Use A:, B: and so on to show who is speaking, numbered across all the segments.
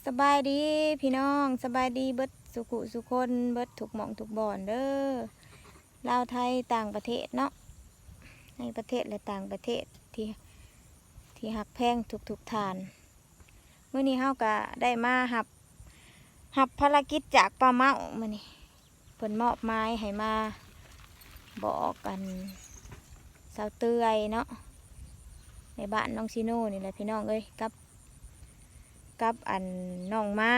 A: สบายดีพี่น้องสบายดีเบิดสุขุสุคนเบิดถูกหม่องถูกบ่อนเด้อลาวไทยต่างประเทศเนาะในประเทศและต่างประเทศที่หักแพงทุกทานเมื่อนี้เฮาก็ได้มาหับภารกิจจากป้าเมามื่อนี้เพิ่นมอบไม้ให้มาบอกกันสาวเตยเนาะในบ้านน้องชิโน่นี่แหละพี่น้องเอ้ยกับอันน้องไม้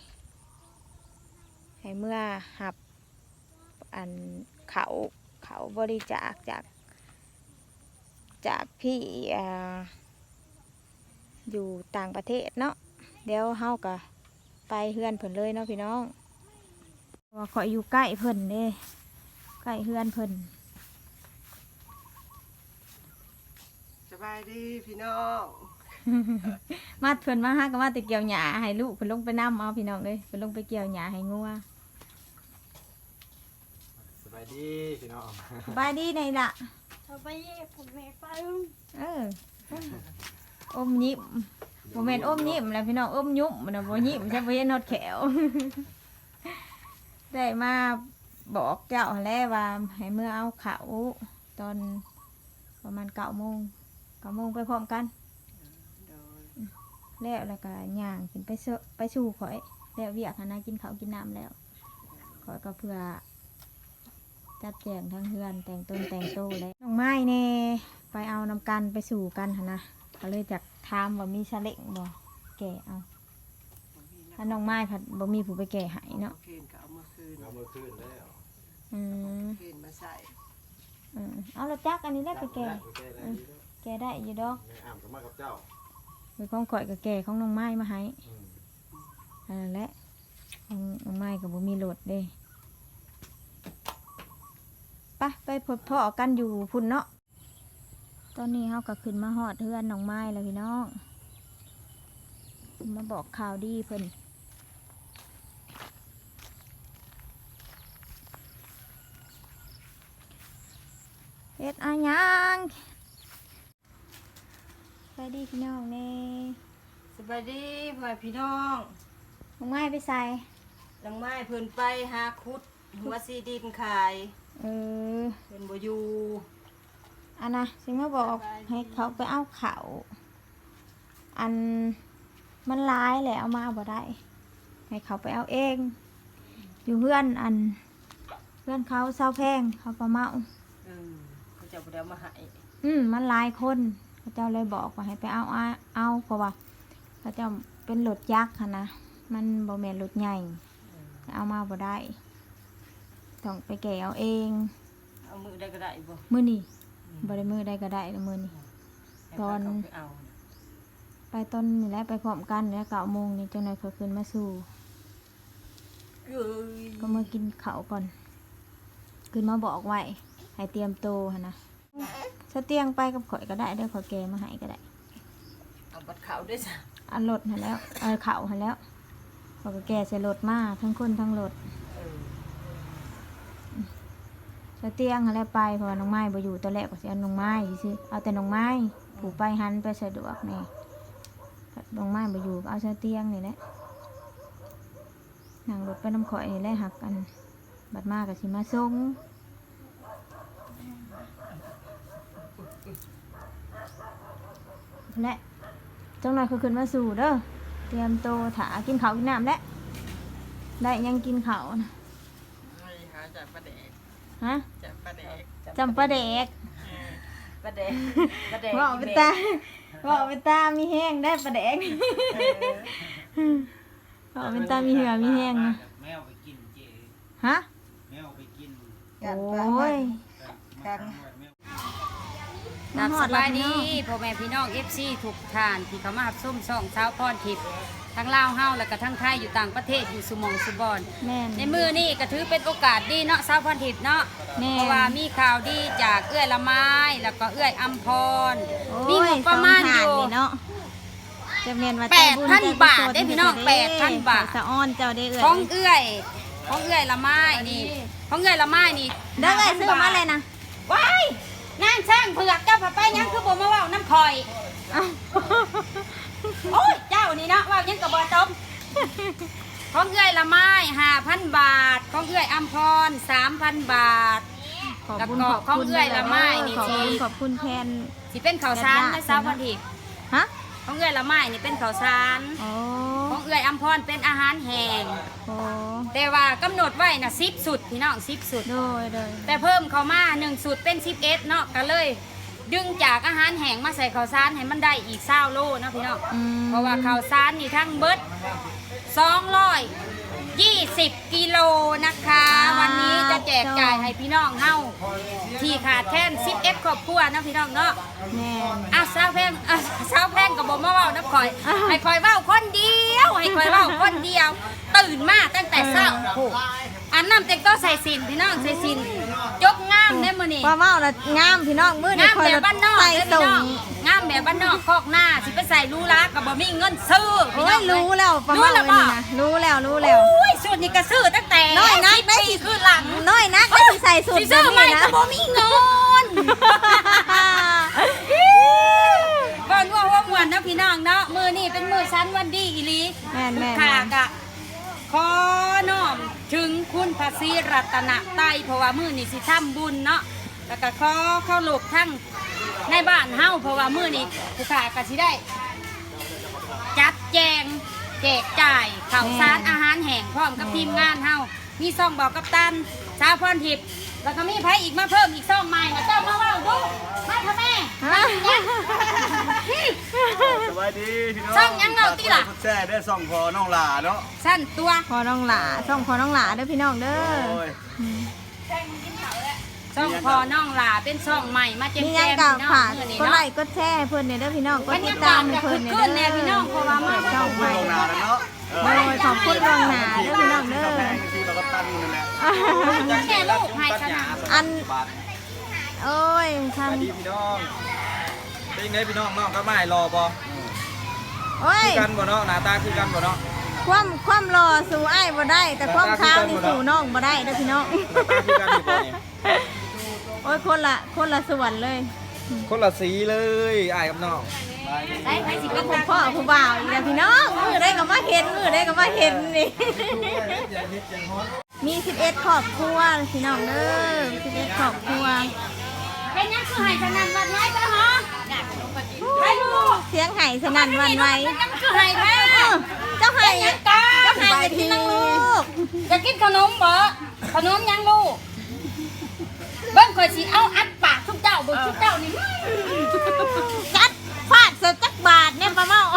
A: ให้เมื่อหับอันเขาบริจาคจากพี่อยู่ต่างประเทศเนาะเดี๋ยวเฮาก็ไปเฮือนเพิ่นเลยเนาะพี่น้องว่าขออยู่ใกล้เพิ่นเด้ใกล้เฮือนเพิ่น
B: สบายดีพี่น้อง
A: มาเพิ่นมาหาก็มาแต่เกี่ยวหญ้าให้ลูกเพิ่นลงไปนำเอาพี่น้องเลยเพิ่นลงไปเกี่ยวหญ้าให้งัว
C: สบายดีพี่น้อง
A: สบายดีในล่ะ
D: สบายดีผมไม่ไป
A: เอออมยิ้มบ่แม่นอมยิ้มแหล้วพี่น้องอมยุ่มมันน่ะบ่ยิ้มใช่บ่เห็นฮอดแขว ได้มาบอกเจ้าหั่นแหละว่าให้เมื่อเอาข้าวตอนประมาณ9 โมงไปพร้อมกันแล้วก็ย่างขึ้นไปสู่ข่อยแล้วเวียกหันนะกินข้าวกินน้ำแล้วข่อยก็เพื่อจัดแจงทั้งเฮือนแต่งต้นแต่งโตแล้วน้องไม้แน่ไปเอานำกันไปสู่กันหันนะก็เลยจากถามว่ามีชาเล็งบ่แก่เอาถ้าน้องไม้ผัดบ่มีผู้ไปแก่ให้เนาะ
B: เคนก็เอามาคืน
C: เอามือขึ้นแล้ว
B: เคนมาใส่
A: เอาละจักอันนี้ได้ไปแก่
C: แก้ได้ดีแล้ว
A: แก่ได้อยู่ดอก
C: แม่อ้ำก็มากับเจ้า
A: มีของข่อยกับแก่ของน้องไม้มาให้
C: อืม
A: อันนั้นแหละของน้องไม้กับบ่มีโหลดเด้ไปพบพ่อกันอยู่พุ่นเนาะตอนนี้เฮาก็ขึ้นมาฮอดเฮือนน้องไม้แล้วพี่น้องมาบอกข่าวดีเพิ่นเฮ็ดอะหยังไปดีพี่น้องแน่
B: สบายดีพ่อพี่น้อง
A: น้องไม้ไปใส่
B: หลังไม้เพิ่นไปหาคุดหัวซีดินขาย
A: เออ
B: เพิ่นบ่อยู่
A: อันนะสิมาบอกให้เขาไปเอาเขาอันมันร้ายแหละเอามาบ่ได้ให้เขาไปเอาเองอยู่เพื่อนเขาเศร้าแพงเขาประเมา
B: เขาจะบ่ได้มาให้
A: มันหลายคนเขาเจ้าเลยบอกว่าให้ไปเอาเพราะว่าเขาเจ้าเป็นรถยักษ์ค่ะนะมันบ่แม่นรถใหญ่เอามาบ่ได้ต้องไปแก่เอาเอง
B: เอามือได้ก็ได้บ่
A: มื้อนี้บ่ได้มื้อใดก็ได้ละมื้อนี้
B: ให้
A: ตอน
B: เขาไปเอา
A: ไปต้นนี่แหละไปพร้อมกันแล้ว9 โมงนี่จังได๋เขาขึ้นมาสู่
B: เอ้ย
A: ก็มากินข้าวก่อนขึ้นมาบอกไว้ให้เตรียมโตหั่นนะสเตียงไปกับข่อยก็ได้เด้อข่อยแกมาให้ก็ได้
B: เอาบัดเขาด้วยจ้ะ
A: อันรถหั่นแล้วข้าวหั่นแล้วข่อยก็แกใส่รถมาทั้งคนทั้งรถ
B: เออ
A: สเตียงหั่นแล้วไปเพราะว่าน้องไม้บ่อยู่ตอนแรกก็สิเอาน้องไม้ซื่อๆเอาแต่น้องไม้ผู้ไปหันไปสะดวกนี่น้องไม้บ่อยู่ก็เอาสเตียงนี่แหละนั่งรถไปน้ำข่อยนี่แหละหักกันบัดมาก็สิมาส่งและจังหน่อยเขาขึ้นมาสู่เด้อเตรียมโตถากินข้าวกินน้ำแล้วได้ยังกินข้าวนะ
B: ให้หาจากประเดก
A: ฮะ
B: จากประเดก
A: จำปลาแดก
B: ประเดกประเดก
A: บอกไปตาบอกไปตามีแห้งได้ปลาแดกบอกไปตามีเหือมีแห้งนะ
C: แมวไปกินเจ
A: ฮะ
C: แมวไปกิน
A: โอ้ย
B: กัน
A: มาหอด
D: สบายดี
A: แล้ว
D: พ่อแม่พี่น้อง FC ทุกท่านที่เขามารับส้มช่องเช้าพรทิพย์ทั้งลาวเฮาแล้วก็ทั้งไทยอยู่ต่างประเทศอยู่สุหมองสุบอน
A: แม่น
D: ในมือนี่ก็ถือเป็นโอกาสดีเนาะเช้าพรทิพย์เนาะ
A: แม่น
D: เพราะว่ามีข่าวดีจากเอื้อยละไม้แล้วก็เอื้อยอัมพรมี
A: โอ้
D: ง
A: ย
D: บประมาณ
A: สง
D: อ
A: ฐน
D: ยู่
A: นี่เนาะจะเมียนว่า
D: 8,000 บาทได้พี่น้อง8,000 บาท
A: สะอ้อนเจ้าได้เอ่ย
D: ของเอื้อยละไม้นี่ของเอื้อยละไม้นี่
A: เด้อเอ้ยซื้อมาเลยนะ
D: ว้ายนางช่างเผือกเจ้าผัดไปยังคือบ่มาเว้าน้ำคอย
A: เอ้า
D: โอ้ยเจ้านี่เนาะเว้ายังก็บ่จบของเอื้อยละไม้ 5,000 บาทของเอื้อยอัมพร 3,000 บาท
A: ขอบ
D: แล้ว
A: คุณ
D: ก็
A: ขอบ
D: ของ
A: คุณ
D: เอื้อยละไม้นี่
A: ขอบ
D: สิ
A: คุณขอบคุณแทน
D: สิเป็นข้าวสารในสาวพันทิพย์
A: ฮะ
D: ของเอื้อยละไม้นี่เป็นข้าวสาร
A: โอ้
D: ของเอื้อยอัมพรเป็นอาหารแห้ง
A: โอ้
D: แต่ว่ากำหนดไว้น่ะ10 สุดพี่น้อง10 สุด
A: โดยโดย
D: แต่เพิ่มเข้ามา1 สุดเป็น11เนาะก็เลย ดึงจากอาหารแห้งมาใส่ข้าวสารให้มันได้อีก20โลเนาะพี่น้อง
A: อืม
D: เพราะว่าข้าวสารนี่ทั้งเบิด220 กิโลนะคะ วันนี้จะแจกจ่ายให้พี่น้องเฮาที่ขาดแคลน11ครอบครัวเนาะพี่น้องเนาะ
A: แม่น
D: สาวแพงสาวแพงกับบ่มาเว้าน้ำข่อย ให้ข่อยเว้าคนเดียว ให้ข่อยเว้าคนเดียว ตื่นมาตั้งแต่เช้าอันน้ำเต็งก็ใส่สินพี่น้องใส่สินยกงามได้มื้อนี้
A: ว่าเมาละงามพี่น้องมื้อนี้
D: งาม
A: คอย
D: แบบ
A: ละ
D: บ้านนอก
A: ใส่
D: เด้อ
A: ส่
D: พี่
A: ง
D: น้องงามแบบบ้านนอกคอกหน้าสิไปใส่รูรักกับบ่มีเงินซื้อพี่
A: โอ้
D: น้อย ง
A: รู้แล้วประ
D: รู้
A: มาณ
D: แล้ว
A: นี้
D: บ่
A: นะรู้แล้วรู้แล้ว
D: โอ้ยสูตรนี้ก็ซื้อตั้งแต่
A: น้อยนัก
D: 10
A: ได้
D: ปีขึ้นหลัง
A: น้อยนักได้สิใส่สูตร
D: สิ
A: แบ
D: ซื้อบ ใหม่
A: นี้นะ
D: ก็บ่มีเงิน ก่อนว่าม่วนนะพี่น้องเนาะมือนี่เป็นมือชั้นวันดีอีหลี
A: แม่นแม่น
D: ค่ะกะขอน้อมถึงคุณพระศรีรัตนไตรัยเพราะว่ามือนี่สิทำบุญเนาะแล้วก็ขอเข้าหลบทั้งในบ้านเฮาเพราะว่ามือนี่ผู้ขากะสิได้ จัดแจงแจกจ่ายข่าวสารอาหารแห้งพร้อมกับทีมงานเฮามีซ่องบอกกัปตันสาวพรทิพย์แล้วก็มีไผอีกมาเพิ่มอีกซ่องใหม่นะเจ้ามาเว่าดูมาค่ะแม่
A: ฮะ
C: สวัสดีพี่น้อง
D: ช่องยังเงาติล่ะ
C: แช่ได้ส่องพอน้องหลาเนาะ
D: สั้นตัว
A: พอน้องหลาส่งพอน้องหลาเด้อพี่น้องเด้อ
C: โอ้ย
D: ช่องพอน้องหลาเป็นช่องใหม่มาแจม
A: มี
D: แจ
A: ยัง
D: ม
A: กับ
D: พี่น้อง
A: ฝาก
D: เมื่อนี้
A: ก็ไล
D: เนาะ
A: ค์ก็แชร์ให้เพิ่นเนี่ยเด้อพี่น้องก็
D: บรร
A: ติ
D: ยา
A: ด
D: กา
A: ตา
D: ศ
A: มให้
D: ก็
A: เพิ่
D: คึ
A: น
D: ก
A: เนี่ย
D: คืน
A: เด้
D: แน่
A: อ
D: พี่น้องเพราะว่ามา
A: ช่องใหม่
C: น้องหลาแล้วเนาะ
A: โอ้ยขอบคุณลวงหนาเด้อพี่น้องเด้อ
C: แพงที่เราก็ตั้งนั่นแหละ
D: แม่ลูกให้ชนะ
A: อัน
C: บาท
A: โอ้ย
C: สวัสดีพี่น้องเป็นไงพี่น้องน้องก็ไม่รอบ่
A: โอ้ย
C: คือกันบ่เนาะหน้าตาคือกันบ่เนาะ
A: ความรอสู่อ้ายบ่ได้ แต่ความขาวนี่สู่น้องบ่ได้เด้อพี่น้อง
C: หน้าตาคือกันอยู่บ่นี่
A: โอ้ยคนละส่วนเลย
C: คนละสีเลยอ้ายกับน้อง
D: ได้ให้สิ
A: ก็
D: เป็น
A: ผมพ่อผู้บ่าวอีกแล้วพี่น้องมือได้ก็มาเห็นมือได้ก็มาเห็นนี่ มี11ครอบครัวพี่น้องเด้อ11ครอบครัว
D: เป็นยังคือให้ชนะวัดไว้จ้ะฮะให้ลูก
A: เสียงไห่สนั่นหวันไหว
D: เป็นยังคือให้แท้
A: เจ้าไห่
D: ยังกา
A: เจ้าไห่จะกินนังลูก
D: จะกินขนมบ่ขนมยังลูกเบิ้งข่อยสิเอาอัดปากทุกเจ้าเบิ่งทุกเจ้านี่
A: จัดฟาดเสร็จจักบาทเนี่ยป้าเมา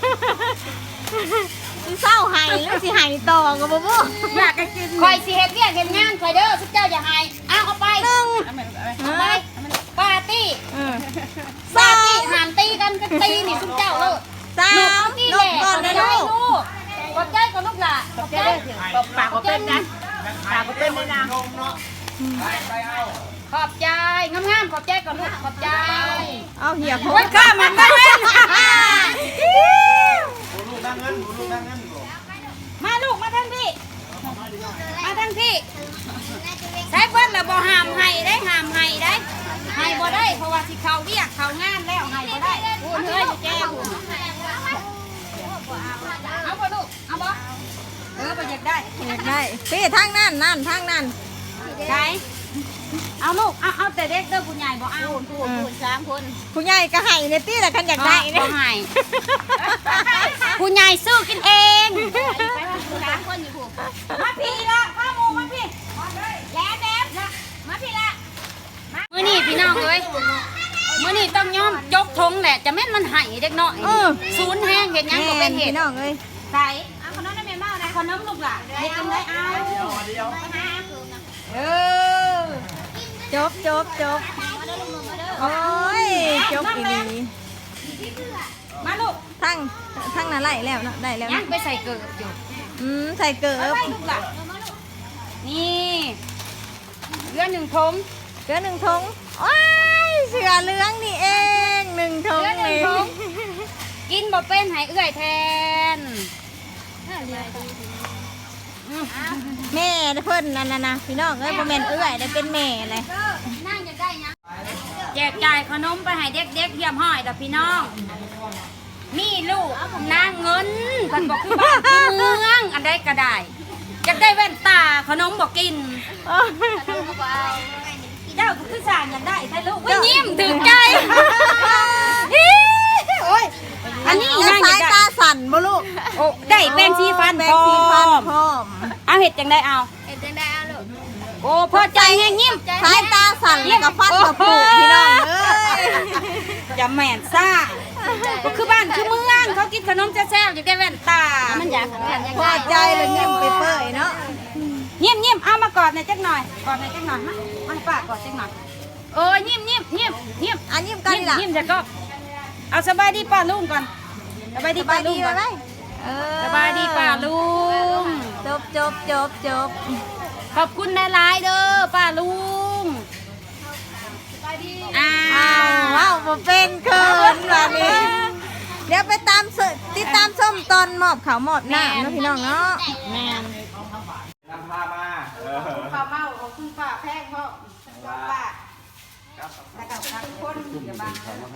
A: สิเศร้าไห่หรือสิไห่ต่อกับบ่บ่
D: อยากกินข่อยสิเฮ็ดเวียกเฮ็ดงานข่อยเด้อทุกเจ้าอย่าให้เอาไป
A: หนึ่ง
D: เอาไปปาร์ตี้
A: ส
D: ปา
A: อ
D: ร์ตี้
A: ง
D: หามตีกันก็ตีนี่ทุกเจ้าเลย
A: สาม
D: นี่
A: น
D: แห
A: ก
D: ละ
A: ก่อนนะลูก
D: ขอบใจก่อนลูกล่ะขอบใจปากก็เป็นนะปากก็เป็นเลยนะขอบใจงามๆขอบใจก่อนลูกขอบใจ
A: เอาเหี่ยโพ
D: โอ้ยข้ามันได้เว้น
C: ลูกนั่งเงินลูกนั่งเงินบ่
D: มาลูกมาทางพี่มาทางพี่ใช้เพิ่นละบ่ห้ามให้ได้ห้ามให้ได้ให้บ่ได้เพราะว่าสิเข้าเวียกเข้างานแล้วให้บ่ได้พูดเฮ้ยอยู่แก้วเอาบ่ลูกเอาบ่บ่อยากได้
A: อยากได้พี่ทางนั่นนั่นทางนั่น
D: ใช่เอาลูกเอาแต่เด็กเด้อผู้ใหญ่บ่เอาพูด3 คน
A: ผู้ใหญ่ก็ไห่ในตี้ละคันอยากได้
D: บ่
A: เนี่ย
D: ให้ผู้ใหญ่ซื้อกินเอง3 คนอยู่ผู้มาพี่ละมาหมู่มาพี่แล้วมาพี่ละมื้อนี้พี่น้องเอ้ยมื้อนี้ต้องยอมยกธงแหละจะแม่นมันให้เด็กน้อยศูนย์แห้งเฮ็ดหยังบ่เป็นเหตุ
A: พี่น้องเอ้ย
D: ใส่เอาขนมได้แม่เมาได้ขนมลูกล่ะเฮ็ดจังได๋เอา
A: จบโอ้ยจบอีหลี
D: มาลูก
A: ทั้งนั้นไล่แล้วเนาะได้แล้ว
D: ยั
A: เนาะ
D: งไปใส่เกลืออยู่
A: ใส่เกิ
D: ไป
A: บ
D: ลูกล่ะนี่เรือ1 ทง
A: เหลือ1 ทงโอ้ยเสือเหลืองนี่เอง1 ทง
D: เรือ
A: นี่
D: 1 ทงกินบ่เป็นให้เอื้อยแทน
A: แม่เพิ่นนั่นน่ะนะพี่น้องเอ้ยบ่แม่นเอื้อยได้เป็นแม่เลย
D: นั่งจะได้ยังแจกจ่ายขนมไปให้เด็กๆเยี่ยมห้อยเด้อพี่น้องมีลูกนางเงินเพิ่นบอกคือบ้านคือเมืองได้ก็ได้อยากได้แว่นตาขนมบอกกินเจ้าคือสั่งอยากได้ใช่ลูกว่ายิ้มถึงใจโอ้ยอันนี้
A: แล้ว
D: นั่งอ
A: สาย
D: ยาก
A: ตา
D: ได้
A: สั่นบ่ลูก
D: โอ้ได้แป้งสีฟัน
A: แปร
D: พ
A: ง
D: ร้
A: สีฟัน
D: อม
A: พร้อม
D: เอาเห็ดจังได้เอา
B: เอ็ดจังได้เอาลูก
D: โอ้พอใจแห้งยิ้ม
A: สายตาสั่นแล้วก็ฟันกระปุกพี่น้องเอ้ย
D: อย่าแม่นซ่าก็คือบ้านคือเมืองเขากินขนมแซ่บๆอยากได้แว่นตามันอยาก
A: พอใจเลยยิ้มไปเปื่อยเนาะ
D: ยิ้มเอามากอดหน่อยจักหน่อยกอดหน่อยจักหน่อยมาให้ป้ากอดจักหน่อยโอ้ยยิ้ม
A: อันยิ้มกันล่ะ
D: ยิ้มจะก็เอาสบายดีป้าลุงก่อนสบายดี
A: ส
D: ป้า
A: บาย
D: ลุ
A: ดี
D: งก่อน
A: ไหมเออ
D: สบายดีป้าลุง
A: จบ
D: ขอบคุณหลายๆเด้อป้าลุงอ้า
A: อ้าว
D: ว
A: ว้าวบ่เป็นเกินแบบนี้ เดี๋ยวไปตามติดตามส้มตอนหมอบเขาวหมอบหน้าเนาะพี่น้องเนาะ
D: แม่น
C: นำพามา
D: ป้าเมาของคุณป้าแพงพ่อป้าแล้วก็ทักคนอย่าบัง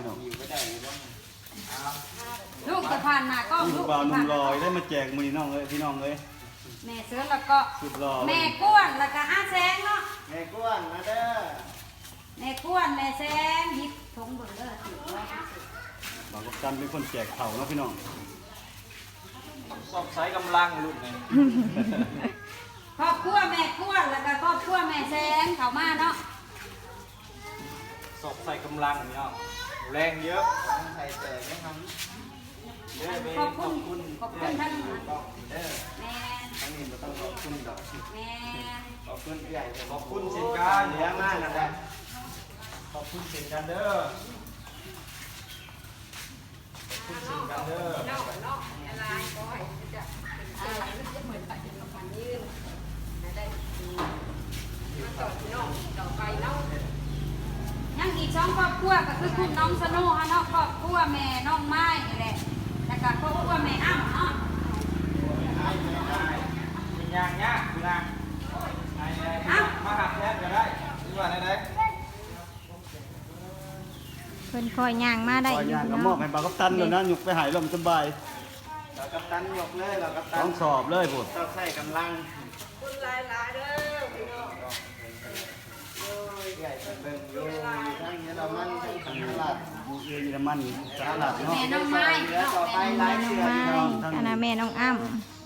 D: ลูกจะผ่านหน้ากล้อง
E: ลู
D: ลู
E: ก
D: ก
E: บ่าวห
D: จะ
E: นุ่
D: ผ่าม น
E: ลอยได้มาแจกมือน้องเลยพี่น้องเลย
D: แม่เสือแล้วก็
E: สุดรอ
D: แม่ก้วนแล้วก็อาแสงเนาะ
E: แม่ก้วนมาเด้อ
D: แม่ก้วนแม่แสงหยิบถุงเบิ่งเด้อสิว่า
E: บ่าวกับจันเป็นคนแจกเข่าเนาะพี่น้อง
C: สอบใช้กำลังลูกไง
D: ครอบครัวแม่ก้วนแล้วก็ครอบครัวแม่แสงเข้ามาเนาะ
C: สอบใส่กำลังเนี่ยแรงเยอะใส่แต่ไม่ทำเด้อ
D: ขอบคุณท่าน
C: เด้อ
D: แม่
C: ทั้งนี้เราต้องขอบคุณดอก
D: แม่
C: ขอบคุณใหญ่ขอบคุณเช่นกันเลี้ยงมากนะครับขอบคุณเช่นกันเด้อขอบคุณเช่นกันเด้อ
D: ยังอีก2ครอบครัวก็คือคุณน้องสโนุฮะเนาะครอบครัวแม่น้องไม้นี่แหละแล้วก็ครอบครัวแม่อ้ำเนาะ
C: เป็นยางยากคุณนางมาหักแทนก็ได้หรือว่าไหน
A: เพิ่นคอยย่างมาได้
E: ข
A: อ
E: อยู่ ย่าง
A: พี่
E: ก็
A: น้
E: ม
A: อ
E: อง บให้บ่าวกับตันเลยนะหยุกไปหายลมสบาย
C: เรากัปตันยกเลยเรากัปตั
E: ต้
C: น
E: องสอบเลยพุ่น
C: ต้องใส่กำลังใหญ่เบิ่งอยู่ทั้งเยอรมันทั้งขันลาด
E: อยู่เยอรมันสหรัฐเนาะ
D: แม่น้องไม้
C: เหลือ
D: เนาะ
C: ต่อไป
D: แม่
C: หลาย
A: น้อง
C: เสือ
A: ไม้
C: พี่น้อง
A: อันนั้นแม่น้องอ้ำ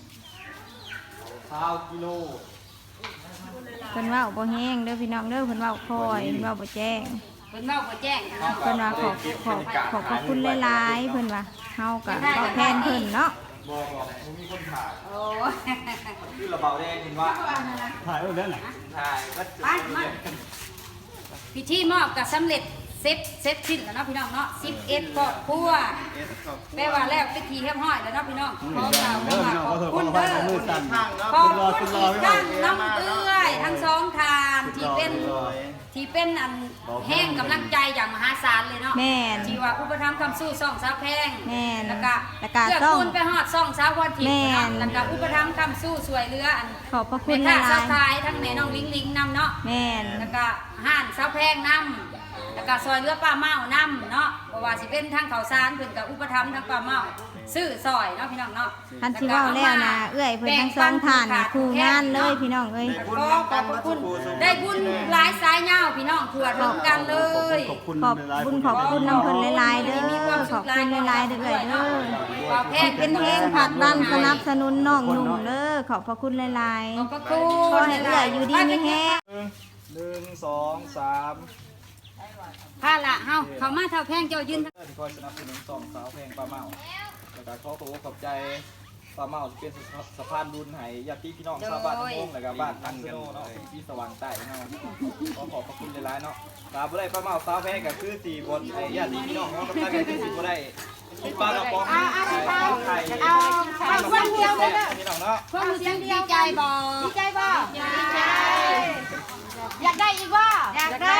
C: 20 กิโล
A: เพิ่นเว้าบ่แห้งเด้อพี่น้องเด้อเพิ่นเว้าคอยเพิ่นเว้าบ่แจ้ง
D: เพิ่นเว้าบ่แจ้งเนาะ
A: เพิ่นว่าขอบคุณหลายๆเพิ่นว่าเฮาก็ตอบแทนเพิ่นเนาะ
C: บอกมีคนถ่าย
D: โอ้ย
C: คือระเบาแดงเห็นว่า
E: ถ่ายไว้แล้วน่ะ
C: ถ่ายวัดจุด
D: ไปมาพิธีมอบก็สำเร็จเสร็จสิ้นแล้วเนาะพี่น้องเนาะ11ครอบครัวแปลว่าแล้วพิธีเรียบร้อยแล้วเนาะพี่น้องขอกล่าว
E: เด้อพี่น้อง
D: ข
E: ข
D: อ
E: อบ โทษข
D: คุ
E: อ
D: ณ
E: อภั
D: เด้
E: ย
D: อ
E: มือสั่น
D: ขอบคุณอีกครั้งน้ำเอื้อยทั้งสองทานที่เป็นอันแห้งกำลังใจอย่างมหาศาลเลยเนาะ
A: แม่น
D: ที่ว่าอุปถัมภ์คำสู้ซ่องสาวแพง
A: แม่น
D: แล้วก็
A: แล้วก็
D: เลือก
A: ต้อง
D: คุณไปฮอดซ่องสาวพรทิพ
A: แม่
D: ย์เนาะ
A: น
D: แล้วก็อุปถัมภ์คำสู้สวยเรืออัน
A: ขอบพระคุ
D: แม่
A: ณห
D: ค้า
A: ลา
D: สาวย ทายทั้งแม่น้องลิงลิงนำเนาะ
A: ๆแม่น
D: แล้วก็ห่านสาวแพงนำแล้วก็ซอยเรือป้าเมานำเนาะเพราะว่าสิเป็นทางเขาวสารเพิ่นกับอุปถัมภ์ทางป้าเมาซื้อซอยเนาะพี่น้องเนาะ
A: คันสิเว้าแล้วนะเอื้อยเพิ่นทั้งสองท่านนี่คู่งานเลยพี่น้องเอ้ย
D: ขอขอบพระคุณได้บุญหลายสายยาวพี่น้องทั่วถึงกันเลย
E: ขอบคุณ
A: ขอบ
E: หลายๆ
A: บุญขอบคุณน้ำเพิ่นหลายๆเด้อขอบคุณหลายๆเด้อเอ้ยเด้อ
D: ว่าแพง
A: เป็นเพลงผลักดันสนับสนุนน้องหนุ่มเด้อขอบพระคุณหลาย
D: ขอบพระคุ
A: ๆ
D: ณ
A: ขอให้เอื้อยอยู่ดีมีแฮง
C: 1 2 3
D: ค่ะละเฮาเขามาเท่าแพงเจ้ายืน
C: ที่คอยสนับสนุนสองสาวเพลงปลาเมาแล้วก็ขอขอบใจปลาเมาที่เป็นสะพานบุญให้ญาติพี่น้องชาวบ้านทั้งวงแล้วก็บ้านทังสโนเนาะที่สว่างใต้เนาะขอขอบคุณหลายๆเนาะตาบ่ได้ปลาเมาสาวเพลงก็คือสี่บนไอ้ญาติพี่น้องเนาะกับตาก็คือสี่บ่ได้ที่ปลากระป๋องไข่คนเดียวเลยเนาะพี่น้องเนาะ
D: ความรู้สึกดีใจบ่
B: ดีใจบ่ดีใจอยากได้อีกบ่อยากได้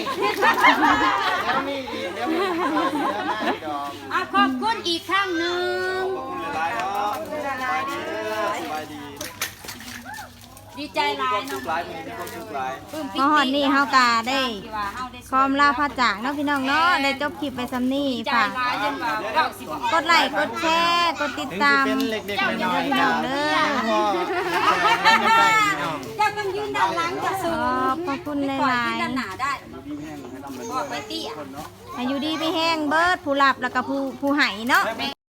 C: แล้วมีอีกแล้วมีอีกดอก
D: ขอบคุณอีกครั้งหนึ่ง
C: ขอบคุณหลายๆเนาะสบายดีสบายดี
D: ดีใจหลาย
C: ทุ
D: เนาะ
C: กหลายมีความสุขหลาย
A: มาฮอดนี่เฮากาได้คอมลาพระจากเนาะพี่น้องเนาะได้จบคลิปไปซ้ำนี่
D: ดีใจ
A: ฝาก
D: หลายจนว่าเก้าสิบ
A: กดไลค์กดแชร์กดติดตาม
C: เป็นเล็กๆน้อยๆ
A: พี่น้องเด้อ
C: พ่อไม่ได้พี่น้อง
D: เจ้าต้องยืนด้านหลังจะสูง
A: ขอบคุณห
D: ปล่อย
A: ลาย
D: ยืนด้านหน้าได้
E: ดีแห้งให้ทำเป็น
D: บอกไปเตี้ย
A: ๆอายุดีไปแห้งเบิดผู้หลับแล้วก็ผู้ให้เนาะ